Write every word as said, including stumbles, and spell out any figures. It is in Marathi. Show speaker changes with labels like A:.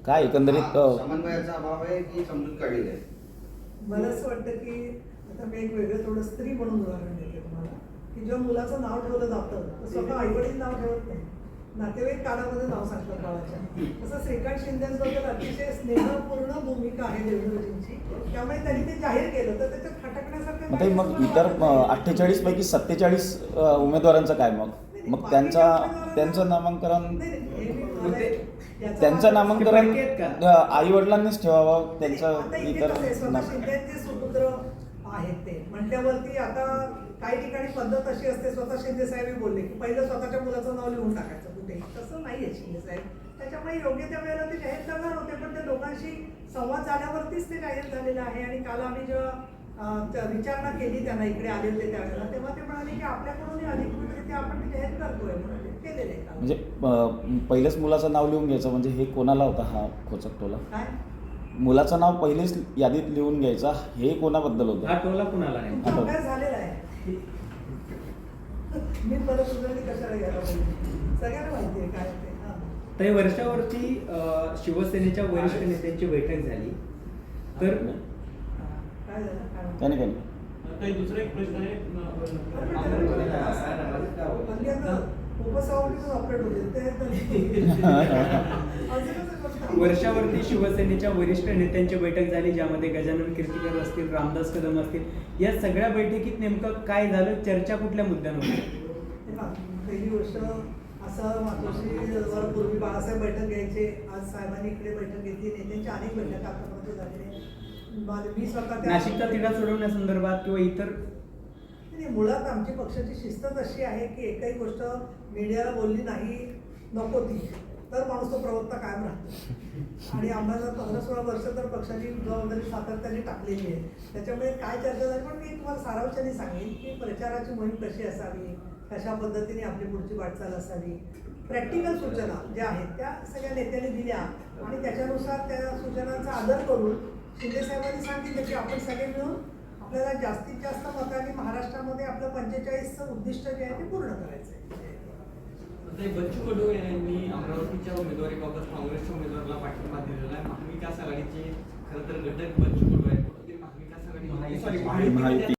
A: काय एकंदरीत अ,
B: समन्वयाचा अभाव आहे की समजूत काढलेली आहे?
C: मला असं वाटतं की आता मी एक वेगळं थोडं स्त्री म्हणून उदाहरण देते तुम्हाला की जेव्हा मुलाचं नाव ठेवलं जातं तर स्वतः आईवडील नाव ठेवत नाही, नातेवाईक कानामध्ये नाव सांगतात बाळाच्या. तसं श्रीकांत शिंदेबद्दल अतिशय स्नेहपूर्ण भूमिका आहे देवेंद्रजींची, त्यामुळे त्यांनी ते जाहीर केलं तर त्याच्यात खटकण्यासारखं
A: मग ते
C: काही
A: मग
C: मला
A: इतर
C: वाटत नाही.
A: अठ्ठेचाळीस पैकी सत्तेचाळीस उमेदवारांचं काय मग मग त्यांचा त्यांचं नामांकन
C: नाही, नाही, हे मी मला याचा
A: त्यांचं
C: वाद-
A: नामांकन आई वडिलांनीच ठेवावं.
C: आता
A: त्यांचं
C: इथे
A: इतर
C: कसं आहे, स्वतः
A: नाम-
C: शिंदेचे सुपुत्र आहेत ते म्हटल्यावरती आता काही ठिकाणी पद्धत अशी असते, स्वतः शिंदे साहेब बोलले की पहिलं स्वतःच्या मुलाचं नाव लिहून टाकायचं कुठेही, तसं नाही आहे शिंदे साहेब. त्याच्यामुळे योग्य त्या वेळेला ते जाहीर करणार होते, पण ते लोकांशी संवाद झाल्यावरतीच ते जाहीर झालेलं आहे. आणि काल आम्ही जेव्हा अं, त्या विचारणा केली त्यांना, इकडे आले होते त्यावेळेला, तेव्हा ते म्हणाले की आपल्याकडून अधिकृतरित्या आपण ते जाहीर करतोय म्हणून ते केलेले आहे काल.
A: म्हणजे अ, पहिलेच मुलाचं नाव लिहून घ्यायचं म्हणजे हे कोणाला होता हा खोचक टोला?
C: काय
A: मुलाचं नाव पहिलेच यादीत लिहून घ्यायचा हे कोणाबद्दल
D: हा
A: होतं?
D: टोला कुणाला नाही?
C: तुमचा अभ्यास झालेला आहे. मी परत उजळणी कशाला घ्यायला पाहिजे, सगळ्यांना माहिती आहे काय ते. हां.
D: तर वर्षावरती अ, शिवसेनेच्या वरिष्ठ नेत्यांची बैठक झाली तर
C: काय झालं काय म्हणतो?
A: त्याने काय
E: काही दुसरा एक प्रश्न आहे
C: हल्ली आता उपसभापतीच ऑपरेट होते ते अजूनच एक गोष्ट आहे.
D: वर्षावरती शिवसेनेच्या वरिष्ठ नेत्यांची बैठक झाली, ज्यामध्ये गजानन कीर्तीकर असतील, रामदास कदम असतील. या सगळ्या बैठकीत नेमकं काय झालं, चर्चा कुठल्या मुद्द्यांवर होती?
C: हे पहा, पहिली गोष्ट असं मातोश्री पूर्वी बाळासाहेब बैठक घ्यायचे, आज साहेबांनी इकडे बैठक घेतली, नेत्यांच्या अनेक बैठका आतापर्यंत झालेल्या आहेत. माझे- मी स्वतः त्या-
D: नाशिकचा तिढा सोडवण्यासंदर्भात किंवा इतर
C: नाही, मुळात आमची पक्षाची शिस्तच अशी आहे की एकही गोष्ट मीडियाला बोलली नाही नको ती तर माणूस तो प्रवक्ता कायम राहतो. आणि आम्हाला पंधरा सोळा वर्ष तर पक्षाची जबाबदारी सातत्याने टाकलेली आहे. त्याच्यामुळे काय चर्चा झाली, पण मी तुम्हाला सारांशाने सांगेन की प्रचाराची मोहीम कशी असावी, कशा पद्धतीने आपली पुढची वाटचाल असावी, प्रॅक्टिकल सूचना ज्या आहेत त्या सगळ्या नेत्यांनी दिल्या आणि त्याच्यानुसार त्या सूचनांचा आदर करून शिंदे साहेबांनी सांगितलं की आपण सगळे मिळून आपल्याला जास्तीत जास्त मतांनी महाराष्ट्रामध्ये आपलं पंचेचाळीसचं उद्दिष्ट जे आहे ते पूर्ण करायचं आहे.
E: बच्चू कडू यांनी अमरावतीच्या उमेदवारीबाबत काँग्रेसच्या उमेदवाराला पाठिंबा दिलेला आहे. महाविकास आघाडीचे खरं तर घटक बच्चू कडू आहेत. महाविकास आघाडी सॉरी
A: महायुती